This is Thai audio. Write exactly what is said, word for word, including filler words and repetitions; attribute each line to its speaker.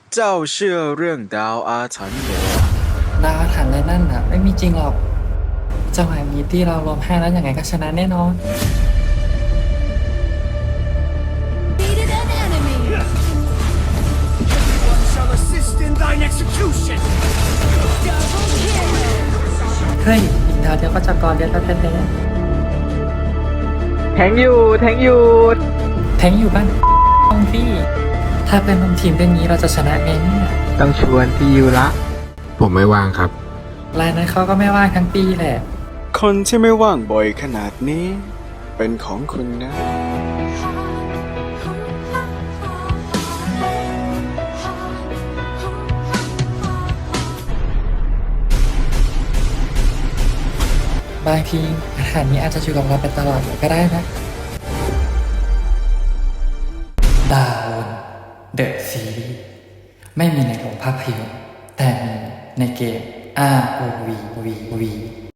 Speaker 1: เจ้าเชื่อเรื่องดาวอาถรรพ์เหรอ
Speaker 2: ดาวถังเลยนั่นน่ะไม่มีจริงหรอกเจ้าหายมีที่เรารวมให้แล้วยังไงก็ชนะแน่นอน
Speaker 3: Defeated an enemy.
Speaker 4: One shall assist in thine execution.
Speaker 3: Double kill.
Speaker 2: เฮ้ยอีกดาวเดียวก็จะกรเดียวแล้วแท้
Speaker 5: แทงอยู่แทงอยู่
Speaker 2: ๆแทงอยู่บ้านต้องพี่ ถ้าเป็นร่วมทีมเรื่องนี้เราจะชนะไงเนี่ย
Speaker 5: ต้องชวนพี่ยูละ
Speaker 6: ผมไม่ว่างครับ
Speaker 2: รายนั้นเขาก็ไม่ว่างทั้งปีแหละ
Speaker 1: คนที่ไม่ว่างบ่อยขนาดนี้ เป็นของคุณนะ
Speaker 2: บางทีอาหารนี้อาจจะอยู่กับเราไปตลอดเลยก็ได้นะ ดาวน์เดอะซีรีส์ไม่มีในโรงภาพยนตร์แต่มีในเกม อาร์ โอ วี วี วี